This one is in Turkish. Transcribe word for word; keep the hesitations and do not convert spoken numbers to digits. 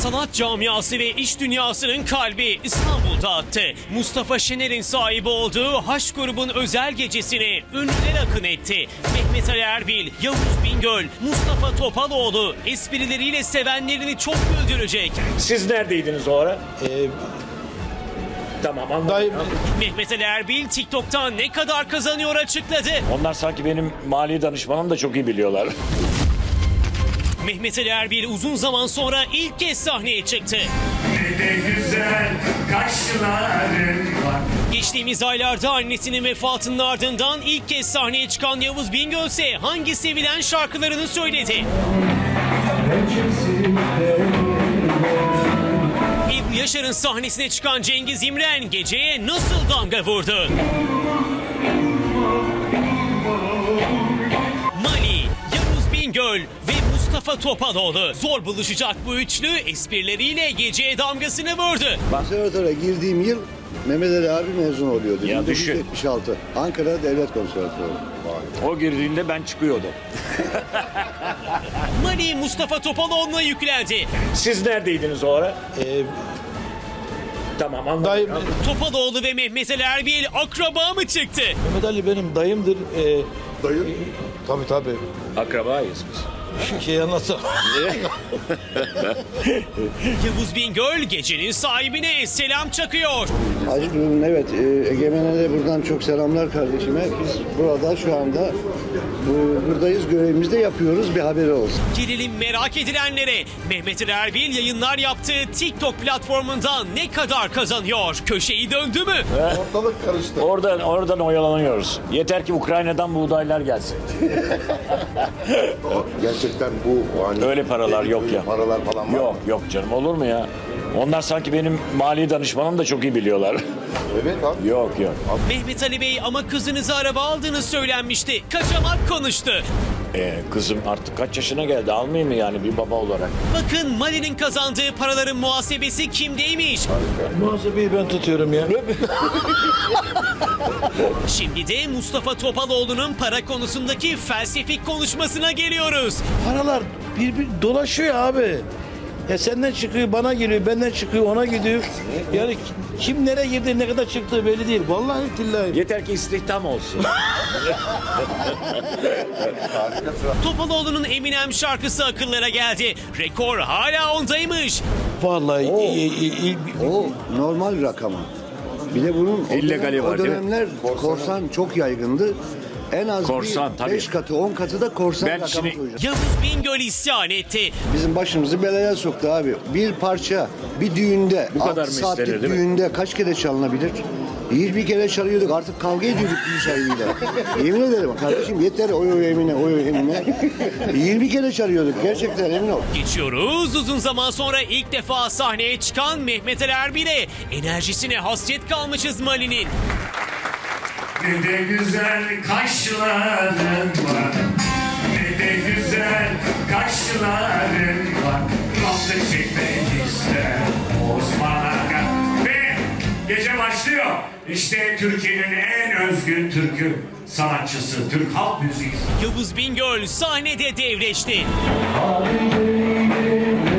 Sanat camiası ve iş dünyasının kalbi İstanbul'da attı. Mustafa Şener'in sahibi olduğu Haş grubun özel gecesine ünlüler akın etti. Mehmet Ali Erbil, Yavuz Bingöl, Mustafa Topaloğlu esprileriyle sevenlerini çok güldürecek. Siz neredeydiniz o ara? Ee, Tamam anladım. dayım, Mehmet Ali Erbil TikTok'tan ne kadar kazanıyor açıkladı. Onlar sanki benim mali danışmanım da çok iyi biliyorlar. Mehmet Ali Erbil uzun zaman sonra ilk kez sahneye çıktı. Ne de güzel kaşların var. Geçtiğimiz aylarda annesinin vefatının ardından ilk kez sahneye çıkan Yavuz Bingöl ise hangi sevilen şarkılarını söyledi. Ebru Yaşar'ın sahnesine çıkan Cengiz İmren geceye nasıl damga vurdu? Mali, Yavuz Bingöl ve Mustafa Topaloğlu. Zor buluşacak bu üçlü esprileriyle geceye damgasını vurdu. Konservatuara girdiğim yıl Mehmet Ali abi mezun oluyordu. Ya bin dokuz yüz düşün. yetmiş altı. Ankara Devlet Konservatuarı. O girdiğinde ben çıkıyordum. Mali Mustafa Topaloğlu'na yüklendi. Siz neredeydiniz o ara? e, Tamam anladım. dayım, Topaloğlu ve Mehmet Ali Erbil akraba mı çıktı? Mehmet Ali benim dayımdır. Ee, Dayı? tabii tabii. Akrabayız biz. Şu şeyi anlatsam. Yavuz Bingöl gecenin sahibine selam çakıyor. Hacı Durun, evet. E, Egemen'e de buradan çok selamlar kardeşime. Biz burada şu anda bu, buradayız. Görevimizi de yapıyoruz. Bir haberi olsun. Gelelim merak edilenlere. Mehmet Ali Erbil yayınlar yaptığı TikTok platformundan ne kadar kazanıyor? Köşeyi döndü mü? Ortalık karıştı. Oradan, oradan oyalanıyoruz. Yeter ki Ukrayna'dan buğdaylar gelsin. Gerçekten bu hani Öyle paralar yok ya. paralar falan var. Yok yok canım olur mu ya? Onlar sanki benim mali danışmanım da çok iyi biliyorlar. Evet abi. Yok yok. Mehmet Ali Bey ama kızınıza araba aldığını söylenmişti. Kaçamak konuştu. Ee, kızım artık kaç yaşına geldi, almayayım mı yani bir baba olarak? Bakın Mali'nin kazandığı paraların muhasebesi kimdeymiş? Muhasebeyi ben tutuyorum ya. Şimdi de Mustafa Topaloğlu'nun para konusundaki felsefik konuşmasına geliyoruz. Paralar bir, bir dolaşıyor abi. Ya senden çıkıyor, bana geliyor, benden çıkıyor, ona gidiyor. Yani kim nereye girdi, ne kadar çıktığı belli değil. Vallahi billahi. Yeter ki istihdam olsun. Topaloğlu'nun Eminem şarkısı akıllara geldi. Rekor hala ondaymış. Vallahi Oo. i- i- i- O normal rakama. Bir de bunun o, İllegali dönem- var, o değil mi? dönemler korsan çok yaygındı. En az Korsan, bir tabii. beş katı, on katı da korsan Ben rakamı şimdi- koyacağız. Yavuz Bingöl isyan etti. Bizim başımızı belaya soktu abi. Bir parça bir düğünde, Bu kadar altı mı saatlik istenir, değil mi? düğünde kaç kere çalınabilir? yirmi kere çalıyorduk. Artık kavga ediyorduk düğün sahibiyle. Yemin ederim kardeşim yeter oy oy emine oy oy emine. yirmi kere çalıyorduk gerçekten emin ol. Geçiyoruz uzun zaman sonra ilk defa sahneye çıkan Mehmet Ali Erbil'e enerjisine hasret kalmışız Mali'nin. Ne de güzel kaşların var. Ne de güzel kaşların var. Nasıl çekmek ister Osman Aga. Ve gece başlıyor. İşte Türkiye'nin en özgün türkü sanatçısı, Türk halk müziği. Yavuz Bingöl sahnede devleşti. Hadi